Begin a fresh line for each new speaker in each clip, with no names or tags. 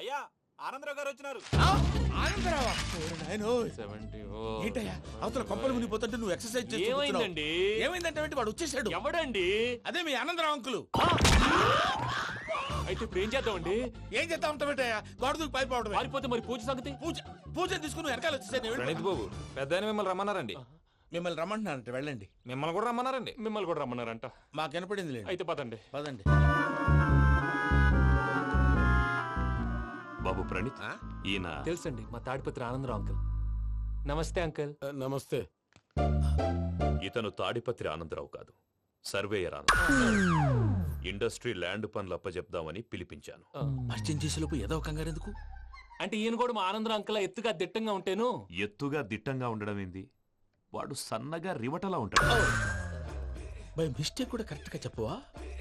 అయ్యా ఆనందరావు గారు వచ్చినారు.
ఆనందరావా? ఏంటయ్యా అవతల కొంపలు మునిగిపోతుంటే నువ్వు ఎక్సర్సైజ్ చేస్తున్నావు? ఏమైందంటే వాడు వచ్చేసాడు.
ఎవడండి?
అదే మీ ఆనందరావు అంకులు.
అయితే ఇప్పుడు ఏం చేద్దామండి?
ఏం చేస్తా ఉంటావేటయ్యా? గోడ దూకి పైపోవడం.
పారిపోతే మరి పూజ సంగతి?
పూజ తీసుకుని వెనకాల వచ్చేసాను.
ప్రణీత్ బాబు పెద్ద మిమ్మల్ని రమ్మన్నారండి.
మిమ్మల్ని రమ్మంటున్నారంట, వెళ్ళండి.
మిమ్మల్ని కూడా రమ్మన్నారండి.
మిమ్మల్ని కూడా రమ్మన్నారంట.
మాకు వినపడింది లేదు.
అయితే పదండి.
పదండి.
బాబు ప్రణీత్, ఈయన
తెలుసండి, మా తాడిపత్రి ఆనందరావు అంకుల్. నమస్తే అంకుల్.
నమస్తే.
ఇతను తాడిపత్రి ఆనందరావు కాదు, సర్వేయర్ ఆనందరావు. ఇండస్ట్రీ ల్యాండ్ పనులు అప్పజెప్దామని పిలిపించాను.
పరిచయం చేసేలోపు ఏదో కంగారు ఎందుకు?
అంటే ఈయన కూడా మా ఆనందరావు అంకుల్ ఎత్తుగా దిట్టంగా ఉంటాను.
ఎత్తుగా దిట్టంగా ఉండడం ఏంది? వాడు సన్నగా రివటలా ఉంటాడు.
బై మిస్టేక్ కూడా కరెక్ట్ గా చెప్పవా?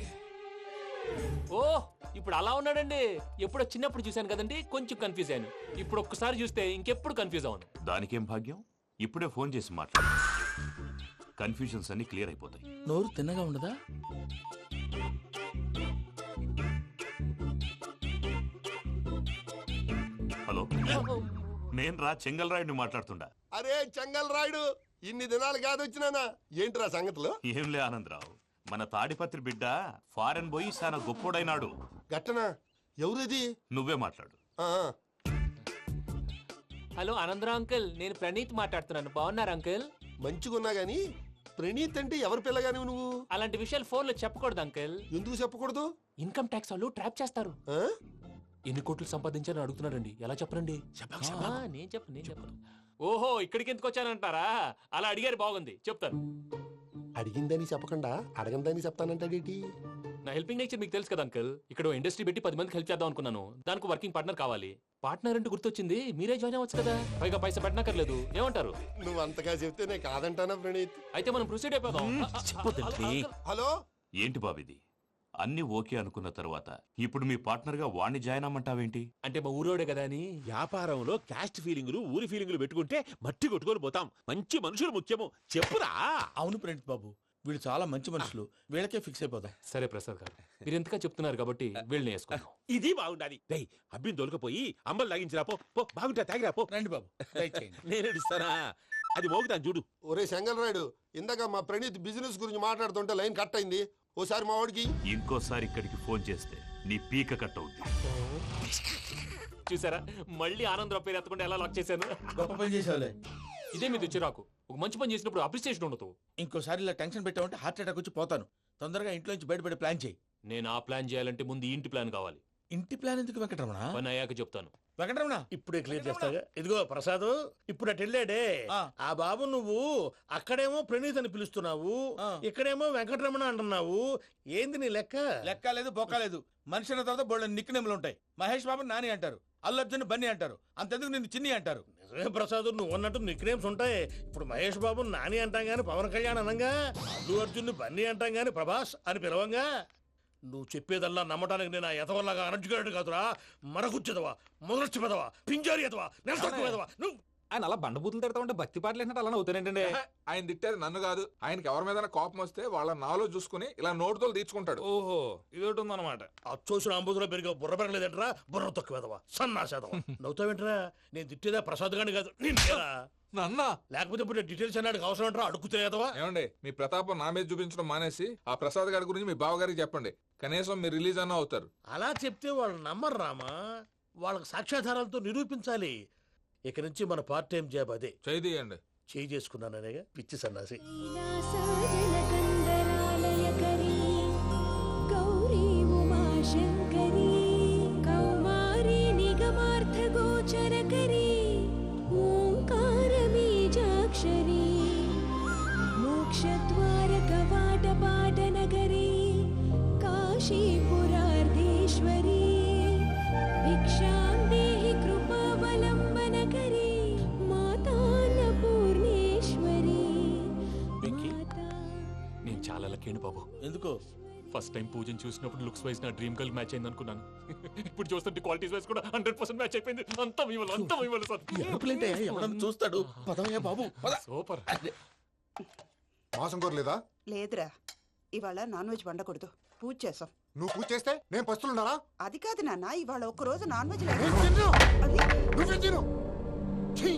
ఓ ఇప్పుడు అలా ఉన్నాడండి. ఎప్పుడో చిన్నప్పుడు చూశాను కదండి, కొంచెం కన్ఫ్యూజ్ అయ్యాను. ఇప్పుడు ఒక్కసారి చూస్తే ఇంకెప్పుడు కన్ఫ్యూజ్ అవును.
దానికేం భాగ్యం, ఇప్పుడే ఫోన్ చేసి మాట్లాడు. కన్ఫ్యూజన్స్ అన్ని క్లియర్ అయిపోతాయి.
నోరు తిన్నగా ఉండదా?
హలో, నేను రా చెంగల్ రాయుడిని మాట్లాడుతుండా.
అరే చెంగల్ రాయుడు, ఇన్ని దినాలు కాదు వచ్చినానా? ఏంట్రా సంగతులు?
ఏంలే ఆనందరావు, మన తాడిపత్రి బిడ్డ ఫారెన్ పోయి చాలా గొప్పోడైనాడు.
గట్టనా? ఎవరిది?
నువ్వే మాట్లాడు.
హలో ఆనందరావు అంకుల్, నేను ప్రణీత్ మాట్లాడుతున్నాను. బాగున్నారు అంకుల్?
మంచిగున్నా గాని ప్రణీత్ అంటే ఎవరి పిల్లగాని నువ్వు?
అలాంటి విషయాలు ఫోన్ లో చెప్పకూడదు అంకుల్.
ఎందుకు చెప్పకూడదు?
ఇన్కమ్ ట్యాక్స్ వాళ్ళు ట్రాప్ చేస్తారు.
ఆ?
ఎన్ని కోట్లు సంపాదించాలని అడుగుతున్నారండి. ఎలా చెప్పరండి? నేను చెప్పను. ఓహో, ఇక్కడికి ఎందుకు వచ్చానంటారా? అలా అడిగారు, బాగుంది, చెప్తాను.
అడిగిందని చెప్పకుండా అడగందని చెప్తానంటాడేటి?
నా హెల్పింగ్ నేచర్ మీకు తెలుసు కదా అంకుల్. ఇక్కడ ఇండస్ట్రీ పెట్టి 10 మందికి హెల్ప్ చేద్దాం అనుకున్నాను. దానికి వర్కింగ్ పార్ట్నర్ కావాలి. పార్ట్నర్ అంటే గుర్తొచ్చింది, మీరే జాయిన్ అవ్వచ్చు కదా. పైగా పైసా పెట్టనక్కర్లేదు. ఏమంటారు?
నువ్వు అంతగా చెప్తే నేను కాదంటానా ప్రణీత్?
అయితే మనం ప్రొసీడ్ అయిపోదాం.
హలో,
ఏంటి బాబిది? అన్ని ఓకే అనుకున్న తర్వాత ఇప్పుడు మీ పార్ట్నర్ గా వాణ్ణి జాయిన్ అమ్మంటావేంటి?
అంటే మా ఊరోడే కదా అని.
వ్యాపారంలో క్యాస్ట్ ఫీలింగులు, ఊరి ఫీలింగులు పెట్టుకుంటే మట్టి కొట్టుకొని పోతాం. మంచి మనుషులు ముఖ్యము. చెప్పురా.
అవును ప్రణీత్ బాబు, వీళ్ళు చాలా మంచి మనుషులు. వీళ్ళకే ఫిక్స్ అయిపోదాం.
సరే ప్రసాద్ గారు, మీరు ఎంతగా చెప్తున్నారు కాబట్టి వీళ్ళని వేసుకున్నాం.
ఇది బాగుండాలి. డై అబ్బిని దొలకపోయి అమ్మలు లాగించిరా పో. పో బాగుంటా, తాగిరా పో.
రండి బాబు, దయచేయండి.
నేను ఇస్తానా? అది మోగుతాను చూడు.
ఒరే చెంగల్ రాయుడు, ఇందాక మా ప్రణీత్ బిజినెస్ గురించి మాట్లాడుతుంటే లైన్ కట్ అయింది. ఓసారి మా వాడికి
ఇంకోసారి ఇక్కడికి ఫోన్ చేస్తే నీ పీక కట్ అవుద్ది.
చూసారా, మళ్ళీ ఆనందరావు పేరు ఎత్తకుండా ఎలా లాక్ చేశాను.
గొప్ప పని చేసేవాళ్ళే.
ఇదే మీద చిరాకు. ఒక మంచి పని చేసినప్పుడు అప్రిసియేషన్ ఉండదు.
ఇంకోసారి ఇలా టెన్షన్ పెట్టామంటే హార్ట్ అటాక్ వచ్చి పోతాను. తొందరగా ఇంట్లో నుంచి బయటపడే ప్లాన్ చేయి.
నేను ఆ ప్లాన్ చేయాలంటే ముందు ఈ ఇంటి ప్లాన్ కావాలి.
ఇంటి ప్లాన్ ఎందుకు వెంకటరమణ?
పని అయ్యాక చెప్తాను.
వెంకటరమణ
ఇప్పుడే క్లియర్ చేస్తాగా. ఇదిగో ప్రసాద్, ఇప్పుడు అటు వెళ్ళాడే ఆ బాబు, నువ్వు అక్కడేమో ప్రణీత్ అని పిలుస్తున్నావు, ఇక్కడేమో వెంకటరమణ అంటున్నావు. ఏంది నీ లెక్క?
లెక్క లేదు, బొక్క లేదు. మనిషి అన్న తర్వాత బోళ్ళ నిక్నెములు ఉంటాయి. మహేష్ బాబు నాని అంటారు, అల్లు అర్జున్ బన్నీ అంటారు, అంతెందుకు నిన్ను చిన్ని అంటారు.
నిజమే ప్రసాద్, నువ్వు అన్నట్టు నిక్నేమ్స్ ఉంటాయి. ఇప్పుడు మహేష్ బాబు నాని అంటాం గాని పవన్ కళ్యాణ్ అనంగా, అల్లు అర్జున్ బన్నీ అంటాం గాని ప్రభాస్ అని పిలవంగా. నువ్వు చెప్పేదల్లా నమ్మటానికి నేను ఆ ఎతవల్లాగా అనర్జుకేటెడ్ కాదురా. మరగుచ్చదవా, మొదలచ్చి పెదవా, పింజారి ఎదవా, నెలసొక్కుదవా నువ్వు.
ఆయన అలా బండబూతులు తిడతా ఉంటే భక్తి పాటలు ఏంటంటే అలా అవుతానంటే.
ఆయన తిట్టేది నన్ను కాదు, ఆయనకి ఎవరి మీద కోపం వస్తే వాళ్ళ నాలో చూసుకుని ఇలా నోటుతో తీర్చుకుంటాడు.
ఓహో, ఇదొకటి ఉందన్నమాట.
అచ్చోసిన అంబుధులో పెరిగే బుర్ర పెరగలేదంటరా, బుర్ర తొక్కువేదవా, సన్నాసేదవా. నవ్వుతావేంట్రా? నేను తిట్టేదా ప్రసాద్ గాని కాదు, నిన్నేరా.
నన్నా?
లేకపోతే ఇప్పుడు డీటెయిల్స్ అన్నాడు అవసరం అంటారా? అడుగుతాయేదవా.
ఏమండి, మీ ప్రతాపం నా మీద చూపించడం మానేసి ఆ ప్రసాద్ గారి గురించి మీ బావగారికి చెప్పండి. కనీసం మీరు రిలీజ్ అన్న అవుతారు.
అలా చెప్తే వాళ్ళు నమ్మరు రామా. వాళ్ళకి సాక్ష్యాధారాలతో నిరూపించాలి. ఇక నుంచి మన పార్ట్ టైం జాబ్ అదే.
చేయండి.
చేయి చేసుకున్నాననేగా పిచ్చి సన్నాసి.
బాబు
ఎందుకు?
ఫస్ట్ టైం పూజను చూసినప్పుడు లుక్స్ వైజ్ నా డ్రీమ్ గర్ల్ మ్యాచ్ అయింది అనుకున్నాను. ఇప్పుడు చూస్తుంటే క్వాలిటీస్ వైజ్ కూడా 100% మ్యాచ్ అయిపోయింది. అంతా మీ వల్ల సార్.
చూస్తాడు. పదవయ్యా బాబు,
సూపర్.
మాసం కోరలేదా?
లేదురా, ఇవాళ నాన్ వెజ్ వండకూడదు, పూజ చేసాం.
నువ్వు పూజ చేస్తే నేను పస్తులున్నారా?
అది కాదు నాన్న, ఇవాళ ఒక్క రోజు నాన్ వెజ్
నేను తిన్ను.
అది
నువ్వేం తిను? ఛీ!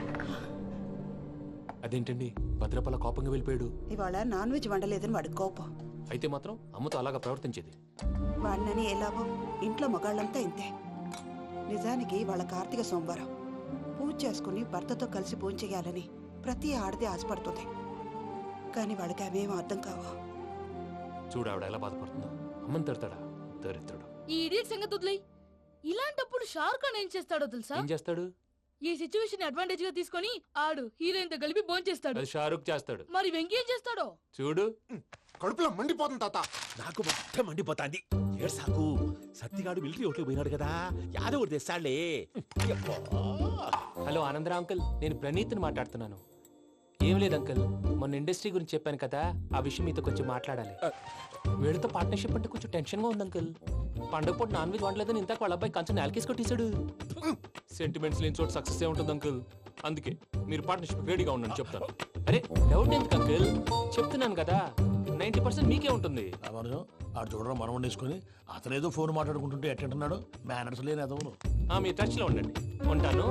అదేంటండి భద్రపల కోపంగా వెళ్ళిపోయాడు?
ఇవాళ నాన్ వెజ్ వండలేదని వాడి కోపం.
అయితే మాత్రం అమ్మతో అలాగా ప్రవర్తించేది.
వాడినని ఎలాగో ఇంట్లో మగాళ్ళంతా ఇంతే. నిజానికి వాళ్ళ కార్తీక సోమవారం పూజ చేసుకుని భర్తతో కలిసి పూజ చేయాలని ప్రతి ఆడది ఆశపడుతుంది. కానీ వాళ్ళకి అవేం అర్థం కావు.
చూడు ఆవిడ ఎలా బాధపడుతుందో. అమ్మని తిడతాడా దరిద్రుడు.
ఈ ఇడియట్ సంగతి వదిలేయ్. ఇలాంటప్పుడు షారుఖ్ ఖాన్ ఏం చేస్తాడో తెలుసా?
ఏం చేస్తాడు?
ఈ సిచ్యువేషన్ అడ్వాంటేజ్ గా తీసుకొని ఆడు హీరోయిన్ తో కలిపి బోన్ చేస్తాడు.
అది షారుఖ్ చేస్తాడు.
మరి వెంకీ ఏం చేస్తాడో
చూడు.
కడుపులో మండిపోతుంది తాత.
నాకు మొత్తం మండిపోతాంది. ఏడ్సాకు, సత్తిగాడు మిలిటరీ ఓట్లు పోయినాడు కదా, యాదవ్ తెస్తాడులే. యబ్బా.
హలో ఆనందరా అంకుల్, నేను ప్రణీత్ని మాట్లాడుతున్నాను. ఏం లేదు అంకుల్, మొన్న ఇండస్ట్రీ గురించి చెప్పాను కదా, ఆ విషయం మీతో కొంచెం మాట్లాడాలి. వీళ్ళతో పార్ట్నర్షిప్ అంటే కొంచెం టెన్షన్ గా ఉంది అంకుల్. పండగ పూట నాన్ వెజ్ వండలేదని ఇంతకు వాళ్ళ అబ్బాయి కంచెం నేలకేసి కొట్టేశాడు. సెంటిమెంట్స్ లేని చోట సక్సెస్ ఏ ఉంటుంది అంకుల్. అందుకే మీరు పార్ట్నర్షిప్ రెడీగా ఉండండి చెప్తాను. అరే డౌట్ ఎందుకు అంకుల్, చెప్తున్నాను కదా 90% మీకే ఉంటుంది.
రామానుజం ఆడు చూడడం మనం వండేసుకుని అతనేదో ఫోన్ మాట్లాడుకుంటుంటే ఎట్టంటున్నాడు. మేనర్స్ లేని అదవును.
మీ టచ్ లో ఉండండి. ఉంటాను.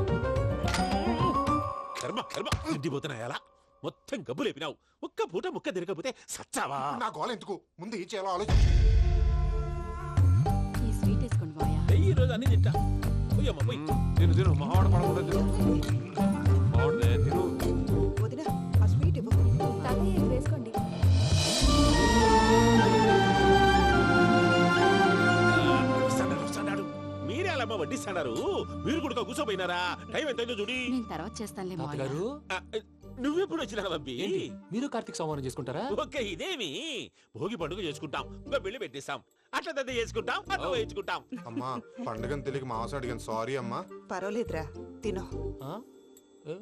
కర్మ కర్మ తిండిపోతున్నా ఎలా మొత్తం గబ్బు లేపినావు. ఒక్క పూట ముక్క తిరగకపోతే సచ్చావా?
నా గోల ఎందుకు, ముందు ఏం చేయాలో ఆలోచించు.
ఈ స్వీట్ వేసుకోండి బాయా.
ఈ రోజు అన్ని తింటా. పోయమ్మ పోయి.
తిను తిను మావాడు పడకుండా తిను. మావాడిదే తిను.
వదిన ఆ స్వీట్ ఇవ్వు.
వేసుకోండి.
వస్తాడు. మీరే అలా అమ్మ వడ్డిస్తాడారు. మీరు కూడా కూర్చోపోయినారా? టైం ఎంతైందో చూడి.
నేను తర్వాత చేస్తానులే
తాతగారు
ఆ, నువ్వెప్పుడు వచ్చినా బంబి?
ఏంటి మీరు కార్తీక్ సంహారం చేసుకుంటారా?
ఓకే, ఇదేమి భోగి పండుగ చేసుకుంటాం, ఇంకా పెళ్లి పెట్టిస్తాం, అట్లా దద్ద చేసుకుంటాం, అట్లా వేయించుకుంటాం.
అమ్మా పండుగని తెలియక మావస అడిగాను, సారీ అమ్మా.
పర్వాలేదురా, తినో.
ఆ? ఏ?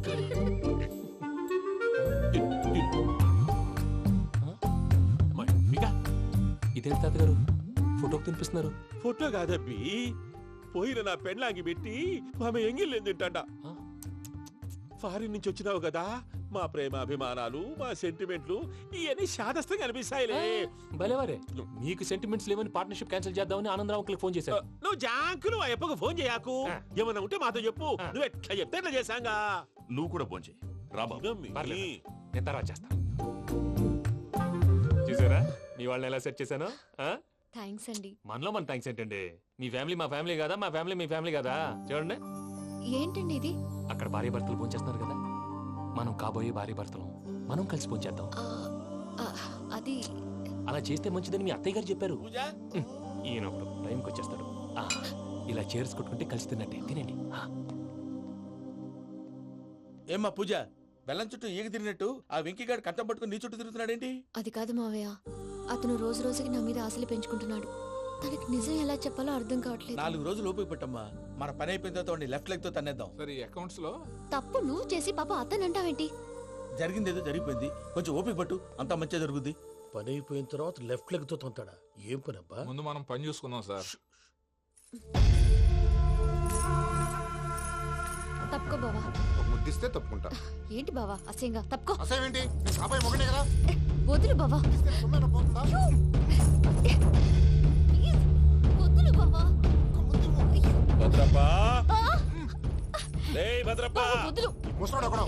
అమ్మాయి, మీకా?
ఇదేంటి తాతగారు ఫోటోకి తినిపిస్తున్నారు?
ఫోటో కాదబ్బి, పోయిన నా పెళ్ళాంగి పెట్టి ఆమె ఎంగిల్లేం తింటాడ.
ఆ?
ఫారిన్ నుంచి వచ్చినావు కదా, మా ప్రేమ అభిమానాలు, మా సెంటిమెంట్లు ఇవన్నీ శాదస్తంగా అనిపిస్తాయిలే.
భలేవారే, మీకు సెంటిమెంట్స్ లేవని పార్ట్నర్షిప్ క్యాన్సిల్ చేద్దామని ఆనందరావు అంకుల్ ఫోన్ చేశారు.
నువ్వు జాంకులు ఆ అప్పకు ఫోన్ చేయకు.
ఆ.
ఏమన్నా ఉంటే మాతో చెప్పు.
ఆ.
నువ్వు ఎట్లా చెప్తే ఎట్లా చేశాంగా.
నువ్వు కూడా భోంచేయి రా బాబు.
ఇదమ్మి.
పర్లేదు. నేను తర్వాత చేస్తాను. చూసారా మీ వాళ్ళని ఎలా సెట్ చేశాను?
థ్యాంక్స్ అండి.
మనలో మన థ్యాంక్స్ ఏంటండి? మీ ఫ్యామిలీ మా ఫ్యామిలీ కదా, మా ఫ్యామిలీ మీ ఫ్యామిలీ కదా. చూడండి,
ఏంటండి ఇది?
అక్కడ భార్య భర్తలు పోంచేస్తున్నారు కదా, మనం కాబోయే భార్య భర్తలు మనం కలిసి పోంచేద్దాం.
అది
అలా చేస్తే మంచిదని మీ అత్తయ్య గారు చెప్పారు.
పూజ
ఈయన ఒకడు టైంకి వచ్చేస్తాడు. ఇలా చేర్స్ కొట్టుకుంటే కలిసి తిన్నట్టే. తినండి.
ఏమ్మా పూజ, బెల్లం చుట్టూ ఈగ తిరిగినట్టు ఆ వెంకీగాడు కంచం పట్టుకుని నీ చుట్టూ తిరుగుతున్నాడేంటి?
అది కాదు మావయ్య, అతను రోజు రోజుకి నా మీద ఆశలు పెంచుకుంటున్నాడు. తనకి నిజం ఎలా చెప్పాలో అర్థం కావట్లేదు.
4 రోజులు ఓపిక పట్టమ్మా, మన పని అయిపోయిన తర్వాత వాడిని లెఫ్ట్ లెగ్ తో తన్నేద్దాం.
సరే అకౌంట్స్ లో
తప్పు నువ్వు చేసి పాప అతను అంటావేంటి?
జరిగింది ఏదో జరిగిపోయింది, కొంచెం ఓపిక పట్టు, అంతా మంచిగా జరుగుద్ది.
పని అయిపోయిన తర్వాత లెఫ్ట్ లెగ్ తో తొంతాడా? ఏం పని అబ్బా?
ముందు మనం పని చూసుకుందాం సార్.
తప్పుకో బావా.
ఒక ముద్దిస్తే తప్పుకుంటా.
ఏంటి బావా అసహ్యంగా? తప్పుకో.
అసేమేంటి, నీ కాబోయే మొగనే కదా.
వదులు బావా.
ఇస్తే సొమ్మేనా పోతుందా?
వదులు బావా.
భద్రప్పా, భద్రప్ప,
బావా, వదులు.
ముసలోడు ఒకడు.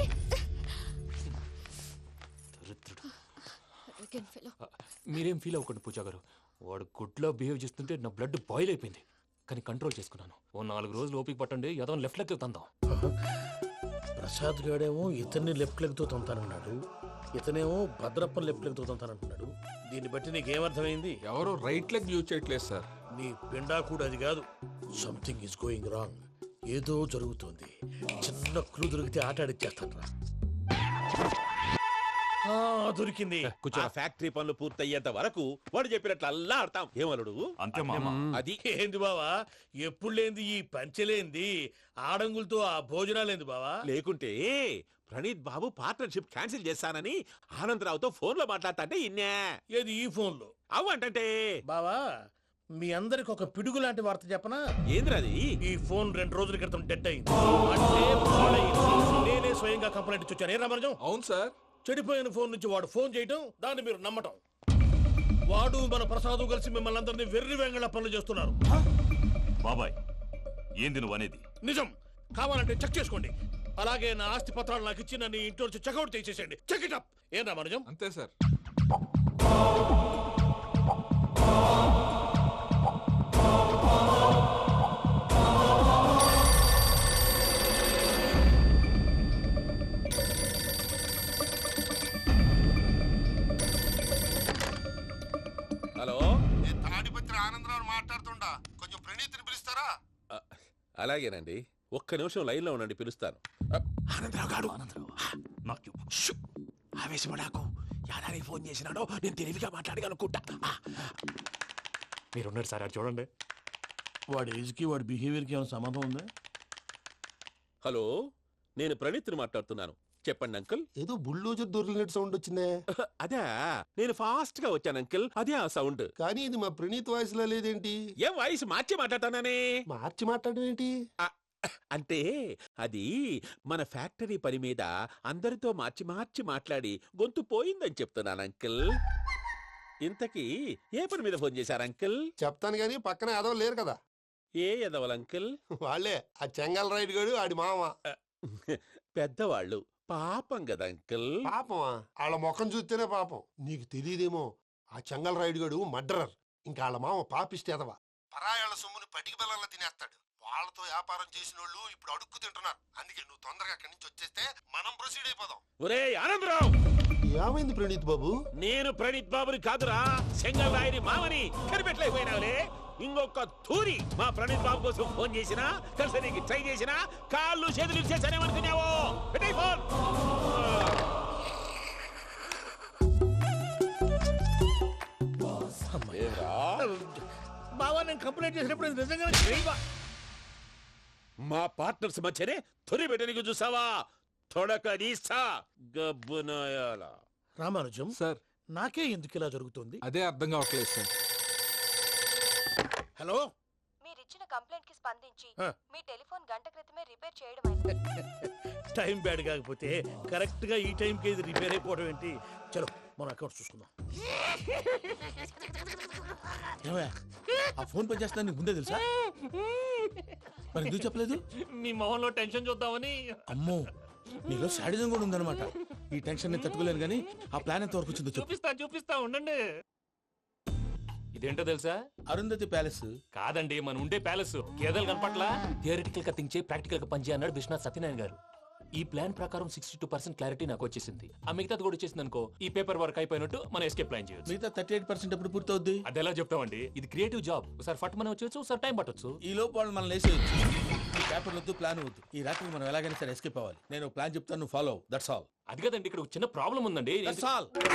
Arrogant fellow.
మీరేం ఫీల్ అవ్వకండి పూజా గారు. వాడు గుడ్లో బిహేవ్ చేస్తుంటే నా బ్లడ్ బాయిల్ అయిపోయింది. కానీ కంట్రోల్ చేసుకున్నాను. ఓ 4 రోజులు ఓపిక పట్టండి, ఏదో లెఫ్ట్ లెగ్ తందాం.
ప్రసాద్ గాడేమో ఇతన్ని లెఫ్ట్ లెగ్ తో తొంతానన్నాడు, ఇతనేమో భద్రప్ప లెఫ్ట్ లెగ్ తో తొంతానంటున్నాడు. దీన్ని బట్టి నీకేమర్థమైంది?
ఎవరు రైట్ లెగ్ యూజ్ చేయట్లేదు సార్.
నీ పిండా కూడా అది కాదు. Something is going wrong. ఏదో జరుగుతోంది. చిన్న క్లూ దొరికితే ఆట ఆడిచ్చేస్తాను రా. దొరికింది.
ఆ ఫ్యాక్టరీ పనులు పూర్తయ్యేంత వరకు వాడు చెప్పినట్లు అల్లా ఆడతాం. ఏమలుడు?
అంతే మామ.
అది
ఏంది బావా, ఎప్పుడు లేంది ఈ పంచలేంది, ఆడంగులతో ఆ భోజనాలేంది బావా?
లేకుంటే ప్రణీత్ బాబు పార్ట్నర్షిప్ క్యాన్సిల్ చేస్తానని ఆనందరావుతో ఫోన్ లో మాట్లాడతాంటే ఇన్నే.
ఏది ఈ ఫోన్ లో?
అవ్వంటే
బావా, మీ అందరికి ఒక పిడుగు లాంటి వార్త చెప్పనా?
ఏంద్రది?
ఈ ఫోన్ 2 రోజుల క్రితం డెడ్ అయింది. అంటే పాడైంది. నేనే స్వయంగా కంప్లైంట్ ఇచ్చాను. ఏ రామరాజం?
అవును సార్.
చెడిపోయిన ఫోన్ నుంచి వాడు ఫోన్ చేయటం, దాన్ని మీరు నమ్మటం. వాడు మన ప్రసాదు కలిసి మిమ్మల్ని అందరినీ వెర్రి వెంగళ పనులు చేస్తున్నారు.
బాబాయ్ ఏంది నువ్వు అనేది?
నిజం. కావాలంటే చెక్ చేసుకోండి. అలాగే నా ఆస్తి పత్రాలు నాకు ఇచ్చి నన్ను ఇంట్లో నుంచి చెక్అౌట్ చేసేసేయండి. Check it up. ఏం రామానుజం?
అంతే సార్.
హలో,
నేను తాడిపత్రి ఆనందరావు మాట్లాడుతుండా, కొంచెం ప్రణీతిని పిలుస్తారా?
అలాగేనండి, ఒక్క నిమిషం లైన్లో ఉండండి, పిలుస్తాను. ఆనందరావు గాడు,
నాకు
ఆవేశపడాకు. యాదానికి ఫోన్ చేసినాడో నేను తెలివిగా మాట్లాడగలనుకుంటా.
మీరున్నారు సార్, అది చూడండి.
వాడి ఏజ్కి వాడి బిహేవియర్కి ఏమైనా సంబంధం ఉందా?
హలో, నేను ప్రణీత్ని మాట్లాడుతున్నాను. చెప్పండి అంకుల్.
ఏదో బుల్డోజర్ దొరికినట్టు సౌండ్ వచ్చిందే.
అదే, నేను ఫాస్ట్ గా వచ్చాను అంకుల్, అదే ఆ సౌండ్.
కానీ ఇది మా ప్రణీత్ వాయిస్ లో లేదేంటి?
ఏ వాయిస్ మార్చి మాట్లాడతాననే?
మార్చి మాట్లాడడం ఏంటి?
అంటే అది మన ఫ్యాక్టరీ పని మీద అందరితో మార్చి మార్చి మాట్లాడి గొంతు పోయిందని చెప్తున్నాను అంకుల్. ఇంతకీ ఏ పని మీద ఫోన్ చేశారు అంకుల్?
చెప్తాను గానీ పక్కన ఏదో లేరు కదా.
ఏ ఎదవలు అంకుల్?
వాళ్ళే, ఆ చెంగల్ రైడ్ గడు ఆడి మామ.
పెద్దవాళ్ళు, పాపం కదా అంకుల్.
పాపమా? వాళ్ళ ముఖం చూస్తేనే పాపం. నీకు తెలియదేమో, ఆ చెంగల్ రైడ్ గడు మర్డరర్. ఇంకా వాళ్ళ మామ పాపిస్తేదవా. పరాయాళ్ళ సొమ్ముని పటికి బెల్లంలో తినేస్తాడు. వాళ్ళతో వ్యాపారం చేసిన వాళ్ళు ఇప్పుడు అడుక్కు తింటున్నారు. అందుకే నువ్వు తొందరగా అక్కడి నుంచి వచ్చేస్తే మనం ప్రొసీడ్ అయిపోదాం.
ఒరే ఆనందరావు!
ఏమైంది ప్రణీత్ బాబు?
నేను ప్రణీత్ బాబుని కాదురా, సెంగల్ రాయని మామని. కనిపెట్టలేకపోయినావులే. ఇంకొక తూరి మా ప్రణీత్ బాబు కోసం ఫోన్ చేసినా, కలిసి నీకు ట్రై చేసినా కాళ్ళు చేతులు ఇచ్చేసానేమనుకున్నావో. పెట్టేయ్ ఫోన్.
బావా, నేను కంప్లైంట్ చేసినప్పుడు ఇది నిజంగానే చేయవా?
మా పార్ట్నర్స్ మధ్యనే తొలి పెట్టడానికి చూసావా? తొడక నీస్తా గబ్బునాయాల.
రామానుజం
సార్,
నాకే ఎందుకు ఇలా జరుగుతుంది?
అదే అర్థం కావట్లేదు సార్.
హలో,
మీరిచ్చిన కంప్లైంట్ కి స్పందించి
ఆ.
మీ టెలిఫోన్ గంట క్రితమే రిపేర్ చేయడం
టైం బ్యాడ్ కాకపోతే కరెక్ట్ గా ఈ టైంకి ఇది రిపేర్ అయిపోవడం ఏంటి? చలో మన అకౌంట్ చూసుకుందాం. ఏమయ్య, ఆ ఫోన్ పనిచేస్తుందని నీకు ముందే తెలుసా? మరి ఎందుకు చెప్పలేదు?
మీ మొహంలో టెన్షన్ చూద్దామని.
అమ్మో, నీలో శాడిజం కూడా ఉందన్నమాట. ఈ టెన్షన్ ని తట్టుకోలేను కానీ ఆ ప్లాన్ ఎంత వరకు వచ్చిందో చెప్పు.
చూపిస్తా ఉండండి. ఇదేంటో తెలుసా?
అరుంధతి ప్యాలెస్
కాదండి, మన ఉండే ప్యాలెస్. గేదెలు కనపట్లా? థియరిటికల్ గా థింక్ చేయి, ప్రాక్టికల్ గా పనిచేయ అన్నాడు విశ్వనాథ్ సత్యనారాయణ గారు. ఈ ప్లాన్ ప్రకారం 62% క్లారిటీ నాకు వచ్చేసింది. ఆ మిగతాది కూడా వచ్చేసింది అనుకో, ఈ పేపర్ వర్క్ అయిపోయినట్టు మనం ఎస్కేప్ ప్లాన్ చేయొచ్చు.
మిగతా 38% ఎప్పుడు పూర్తవుద్ది?
అది ఎలా చెప్తామండి? ఇది క్రియేటివ్ జాబ్. ఒకసారి ఫట్ మనం వచ్చేచ్చు, ఒకసారి టైం పట్టొచ్చు.
ఈ లోపు వాళ్ళు మనం లేసేయచ్చు. ఈ పేపర్ వద్దు, ప్లాన్ వద్దు. ఈ రాత్రికి మనం ఎలాగైనా సరే ఎస్కేప్ అవ్వాలి. నేను ప్లాన్ చెప్తాను, నువ్వు ఫాలో. That's all.
అది కదండి, ఇక్కడ ఒక చిన్న ప్రాబ్లం ఉందండి.
That's all.